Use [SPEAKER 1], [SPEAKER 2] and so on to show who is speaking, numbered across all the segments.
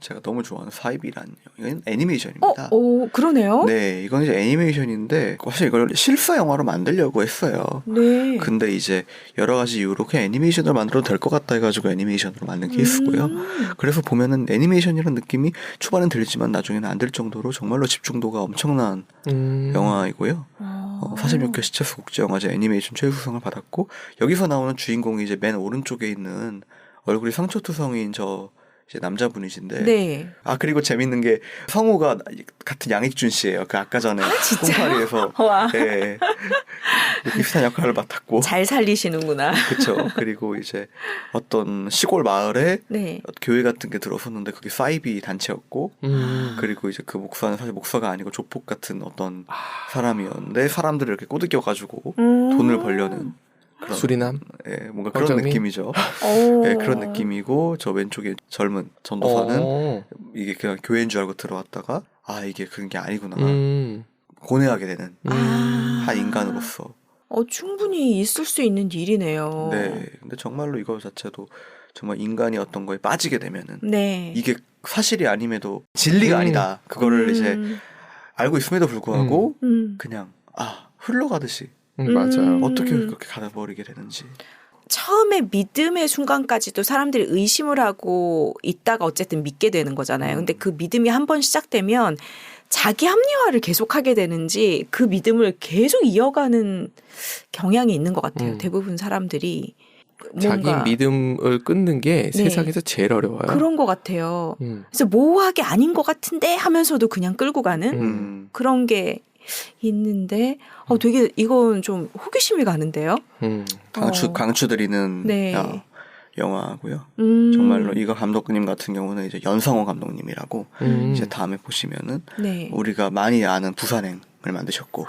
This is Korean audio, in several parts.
[SPEAKER 1] 제가 너무 좋아하는 사이비란 이건 애니메이션입니다.
[SPEAKER 2] 그러네요.
[SPEAKER 1] 네, 이건 이제 애니메이션인데 사실 이걸 실사 영화로 만들려고 했어요.
[SPEAKER 2] 네.
[SPEAKER 1] 근데 이제 여러 가지 이유로 그냥 애니메이션으로 만들어도 될 것 같다 해가지고 애니메이션으로 만든 케이스고요. 그래서 보면은 애니메이션이라는 느낌이 초반엔 들리지만 나중에는 안 들 정도로 정말로 집중도가 엄청난 영화이고요. 46회 시체스 국제영화제 애니메이션 최우수상을 받았고 여기서 나오는 주인공이 이제 맨 오른쪽에 있는 얼굴이 상처투성인 이제 남자분이신데
[SPEAKER 2] 네.
[SPEAKER 1] 그리고 재밌는 게 성우가 같은 양익준 씨예요. 그 아까 전에 콩파리에서 네, 비슷한 역할을 맡았고
[SPEAKER 2] 잘 살리시는구나.
[SPEAKER 1] 그렇죠. 그리고 이제 어떤 시골 마을에
[SPEAKER 2] 네.
[SPEAKER 1] 교회 같은 게 들어섰는데 그게 사이비 단체였고 그리고 이제 그 목사는 사실 목사가 아니고 조폭 같은 어떤 사람이었는데 사람들을 이렇게 꼬드겨가지고 돈을 벌려는
[SPEAKER 3] 수리남?
[SPEAKER 1] 예, 뭔가 그런
[SPEAKER 3] 어쩌미?
[SPEAKER 1] 느낌이죠. 예, 그런 느낌이고 저 왼쪽에 젊은 전도사는 이게 그냥 교회인 줄 알고 들어왔다가 이게 그런 게 아니구나 고뇌하게 되는 한 인간으로서
[SPEAKER 2] 충분히 있을 수 있는 일이네요.
[SPEAKER 1] 네, 근데 정말로 이거 자체도 정말 인간이 어떤 거에 빠지게 되면은
[SPEAKER 2] 네.
[SPEAKER 1] 이게 사실이 아님에도 진리가 아니다. 그거를 이제 알고 있음에도 불구하고 그냥 흘러가듯이
[SPEAKER 3] 맞아요.
[SPEAKER 1] 어떻게 그렇게 가다버리게 되는지.
[SPEAKER 2] 처음에 믿음의 순간까지도 사람들이 의심을 하고 있다가 어쨌든 믿게 되는 거잖아요. 근데 그 믿음이 한번 시작되면 자기 합리화를 계속하게 되는지 그 믿음을 계속 이어가는 경향이 있는 것 같아요. 대부분 사람들이.
[SPEAKER 3] 자기 믿음을 끊는 게
[SPEAKER 2] 네.
[SPEAKER 3] 세상에서 제일 어려워요.
[SPEAKER 2] 그런 것 같아요. 그래서 모호하게 아닌 것 같은데 하면서도 그냥 끌고 가는 그런 게 있는데 되게 이건 좀 호기심이 가는데요.
[SPEAKER 1] 강추드리는
[SPEAKER 2] 네.
[SPEAKER 1] 영화고요. 정말로 이거 감독님 같은 경우는 이제 연상호 감독님이라고 이제 다음에 보시면은
[SPEAKER 2] 네.
[SPEAKER 1] 우리가 많이 아는 부산행을 만드셨고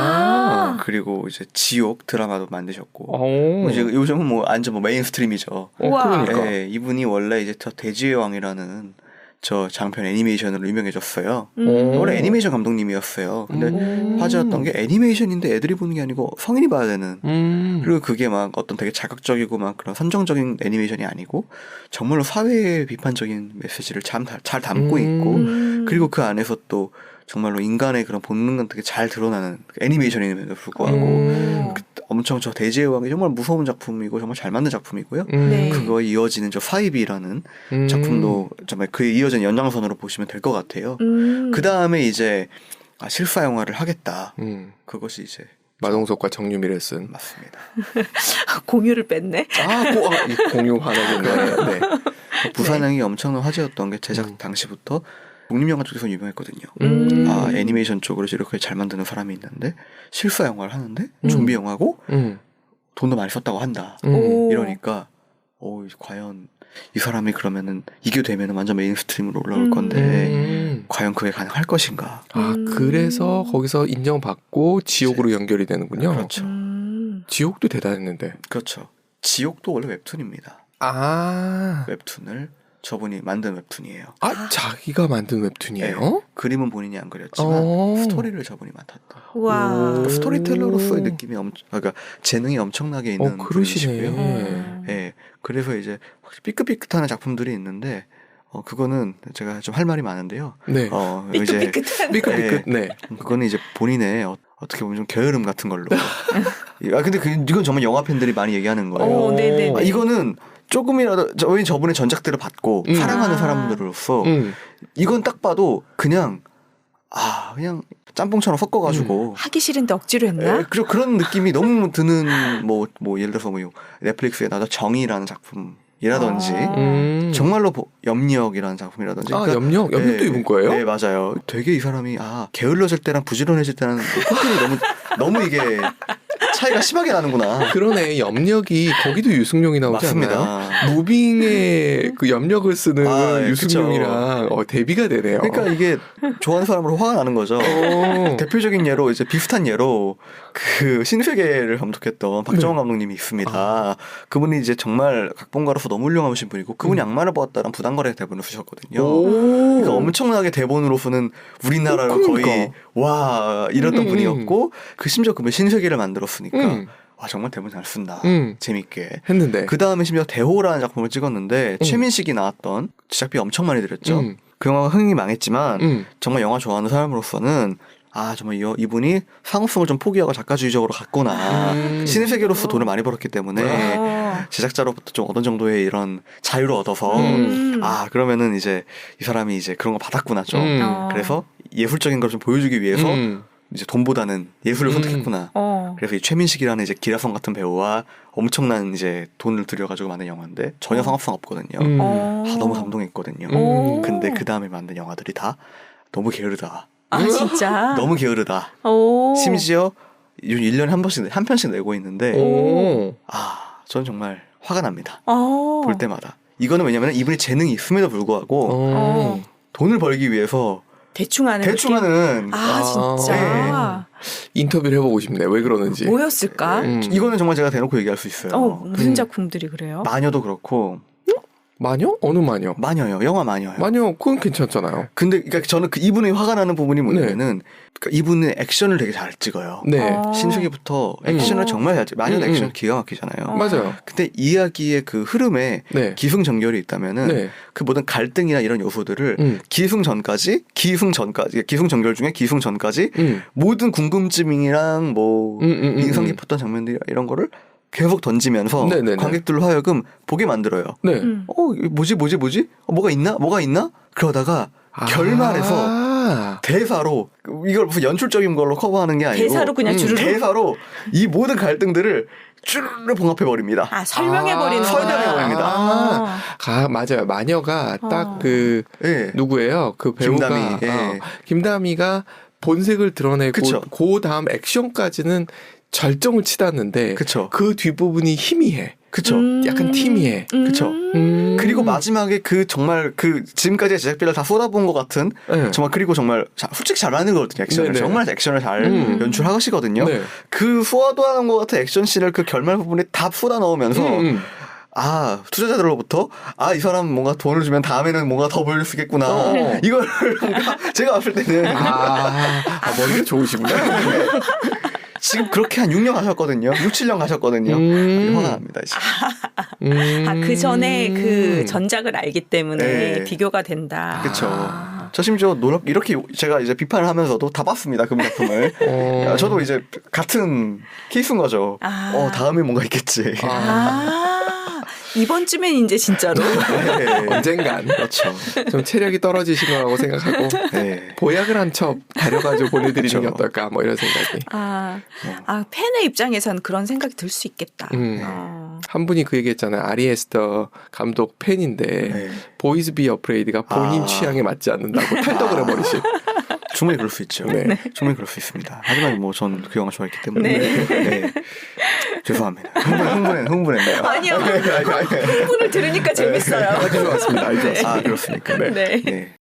[SPEAKER 1] 그리고 이제 지옥 드라마도 만드셨고 이제 요즘은 완전 메인스트림이죠.
[SPEAKER 3] 그러니까.
[SPEAKER 1] 네, 이분이 원래 이제 저 돼지의 왕이라는 저 장편 애니메이션으로 유명해졌어요. 원래 애니메이션 감독님이었어요. 근데 화제였던 게 애니메이션인데 애들이 보는 게 아니고 성인이 봐야 되는. 그리고 그게 막 어떤 되게 자극적이고 막 그런 선정적인 애니메이션이 아니고 정말로 사회 비판적인 메시지를 잘 담고 있고 그리고 그 안에서 또 정말로 인간의 그런 본능은 되게 잘 드러나는 애니메이션임에도 불구하고 엄청 저 돼지의 왕이 정말 무서운 작품이고 정말 잘 만든 작품이고요.
[SPEAKER 2] 네.
[SPEAKER 1] 그거에 이어지는 저 사이비라는 작품도 정말 그에 이어진 연장선으로 보시면 될 것 같아요. 그 다음에 이제 실사 영화를 하겠다. 그것이 이제
[SPEAKER 3] 마동석과 정유미를 쓴
[SPEAKER 1] 맞습니다.
[SPEAKER 2] 공유를 뺐네.
[SPEAKER 3] 공유 하나군요. 네.
[SPEAKER 1] 부산행이 엄청난 화제였던 게 제작 당시부터 독립영화 쪽에서 유명했거든요. 애니메이션 쪽으로 이렇게 잘 만드는 사람이 있는데 실사 영화를 하는데 좀비 영화고 돈도 많이 썼다고 한다. 이러니까 과연 이 사람이 그러면은 이게 되면은 완전 메인스트림으로 올라올 건데 과연 그게 가능할 것인가?
[SPEAKER 3] 그래서 거기서 인정받고 지옥으로 연결이 되는군요.
[SPEAKER 1] 그렇죠.
[SPEAKER 3] 지옥도 대단했는데.
[SPEAKER 1] 그렇죠. 지옥도 원래 웹툰입니다. 웹툰을 저분이 만든 웹툰이에요.
[SPEAKER 3] 자기가 만든 웹툰이에요?
[SPEAKER 1] 네. 그림은 본인이 안 그렸지만 스토리를 저분이 맡았다.
[SPEAKER 2] 와.
[SPEAKER 1] 스토리텔러로서의 느낌이 그러니까 재능이 엄청나게 있는 분이시고요. 네. 그래서 이제 확실히 삐끗삐끗한 작품들이 있는데 그거는 제가 좀 할 말이 많은데요.
[SPEAKER 3] 네. 삐끗삐끗. 네.
[SPEAKER 1] 그거는 이제 본인의 어떻게 보면 좀 게으름 같은 걸로. 근데 이건 정말 영화 팬들이 많이 얘기하는 거예요.
[SPEAKER 2] 네네.
[SPEAKER 1] 이거는 조금이라도 저분의 전작들을 받고 사랑하는 사람들로서 이건 딱 봐도 그냥 짬뽕처럼 섞어가지고
[SPEAKER 2] 하기 싫은데 억지로 했나?
[SPEAKER 1] 그런 느낌이 너무 드는 뭐 예를 들어서 넷플릭스에 나도 정의라는 작품이라든지 정말로 염력이라는 작품이라든지
[SPEAKER 3] 염력도 이분 거예요?
[SPEAKER 1] 네, 맞아요. 되게 이 사람이 게을러질 때랑 부지런해질 때랑 패턴이 너무 이게 차이가 심하게 나는구나.
[SPEAKER 3] 그러네. 염력이 거기도 유승용이 나오지
[SPEAKER 1] 맞습니다.
[SPEAKER 3] 않나요? 무빙에 그 염력을 쓰는 유승용이랑 대비가 되네요.
[SPEAKER 1] 그러니까 이게 좋아하는 사람으로 화가 나는 거죠. 대표적인 예로 이제 비슷한 예로 그 신세계를 감독했던 박정원 감독님이 있습니다. 그분이 이제 정말 각본가로서 너무 훌륭하신 분이고 그분이 악마를 보았다는 부당거래 대본을 쓰셨거든요. 그러니까 엄청나게 대본으로서는 우리나라로 거의 이랬던 분이었고 심지어 그 신세계를 만들었으니까 정말 대본 잘 쓴다. 재밌게
[SPEAKER 3] 했는데
[SPEAKER 1] 그 다음에 심지어 대호라는 작품을 찍었는데 최민식이 나왔던 제작비 엄청 많이 들였죠. 그 영화가 흥행이 망했지만 정말 영화 좋아하는 사람으로서는 정말 이분이 상업성을 좀 포기하고 작가주의적으로 갔구나. 신의 세계로서 돈을 많이 벌었기 때문에 제작자로부터 좀 어느 정도의 이런 자유를 얻어서 그러면은 이제 이 사람이 이제 그런 거 받았구나 좀. 그래서 예술적인 걸 좀 보여주기 위해서 이제 돈보다는 예술을 선택했구나. 그래서 이 최민식이라는 이제 기라성 같은 배우와 엄청난 이제 돈을 들여가지고 만든 영화인데 전혀 상업성 없거든요. 너무 감동했거든요. 근데 그 다음에 만든 영화들이 다 너무 게으르다.
[SPEAKER 2] 진짜?
[SPEAKER 1] 너무 게으르다. 심지어 1년에 한 편씩 내고 있는데 저는 정말 화가 납니다. 볼 때마다. 이거는 왜냐면 이분이 재능이 있음에도 불구하고 돈을 벌기 위해서 대충 하는 진짜.
[SPEAKER 2] 네.
[SPEAKER 3] 인터뷰를 해보고 싶네요. 왜 그러는지.
[SPEAKER 2] 뭐였을까?
[SPEAKER 1] 이거는 정말 제가 대놓고 얘기할 수 있어요.
[SPEAKER 2] 무슨 작품들이 그래요?
[SPEAKER 1] 마녀도 그렇고.
[SPEAKER 3] 마녀? 어느 마녀?
[SPEAKER 1] 마녀요. 영화 마녀요.
[SPEAKER 3] 마녀 그건 괜찮잖아요.
[SPEAKER 1] 근데 그러니까 저는 이분이 화가 나는 부분이 뭐냐면은 그러니까 이분은 액션을 되게 잘 찍어요.
[SPEAKER 3] 네.
[SPEAKER 1] 신수기부터 액션을 정말 잘 찍어요. 마녀는 액션 기가 막히잖아요.
[SPEAKER 3] 맞아요.
[SPEAKER 1] 근데 이야기의 그 흐름에 기승전결이 있다면은 그 모든 갈등이나 이런 요소들을 기승전결 중에 기승전까지 모든 궁금증이랑 뭐 인상 깊었던 장면들 이런 거를 계속 던지면서 관객들로 하여금 보게 만들어요. 뭐지? 뭐가 있나? 그러다가 결말에서 대사로 이걸 무슨 연출적인 걸로 커버하는 게 아니고
[SPEAKER 2] 대사로 그냥 주르륵
[SPEAKER 1] 대사로 이 모든 갈등들을 쭈르르 봉합해 버립니다.
[SPEAKER 2] 설명해버리는
[SPEAKER 1] 설명해버립니다.
[SPEAKER 3] 맞아요. 마녀가 딱 그 누구예요? 그 배우가 김다미가 본색을 드러내고 그 다음 액션까지는 절정을 치닫는데 그 뒷부분이 희미해.
[SPEAKER 1] 그쵸.
[SPEAKER 3] 약간 티미해.
[SPEAKER 1] 그쵸. 그리고 마지막에 정말 지금까지의 제작비를 다 쏟아부은 것 같은 정말 그리고 정말 솔직히 잘하는 거거든요. 액션을. 정말 액션을 잘 연출하시거든요. 그 쏟아부은 것 같은 액션씬을 그 결말 부분에 다 쏟아 넣으면서 투자자들로부터 이 사람 뭔가 돈을 주면 다음에는 뭔가 더 보여줄 수 있겠구나. 이걸 제가 봤을 때는
[SPEAKER 3] 머리가 좋으시구나.
[SPEAKER 1] 지금 그렇게 한 6년 가셨거든요. 6, 7년 가셨거든요. 화가 납니다, 이제.
[SPEAKER 2] 그 전에 그 전작을 알기 때문에 비교가 된다.
[SPEAKER 1] 그렇죠. 저 심지어 이렇게 제가 이제 비판을 하면서도 다 봤습니다. 그 작품을. 저도 이제 같은 케이스인 거죠. 다음에 뭔가 있겠지.
[SPEAKER 2] 이번쯤엔 이제 진짜로
[SPEAKER 3] 언젠간 그렇죠. 좀 체력이 떨어지신 거라고 생각하고 보약을 한 첩 다려가지고 보내드리는 게 어떨까 뭐 이런 생각이.
[SPEAKER 2] 팬의 입장에선 그런 생각이 들 수 있겠다.
[SPEAKER 3] 한 분이 그 얘기했잖아요. 아리 에스터 감독 팬인데 보이즈 비 어프레이드가 본인 취향에 맞지 않는다고 탈덕을 해버리신.
[SPEAKER 1] 충분히 그럴 수 있죠. 충분히 그럴 수 있습니다. 하지만 뭐 전 그 영화 좋아했기 때문에 죄송합니다. 흥분했네요.
[SPEAKER 2] 아니요. 흥분을 들으니까 재밌어요.
[SPEAKER 3] 좋았습니다.
[SPEAKER 1] 그렇습니까?
[SPEAKER 3] 네.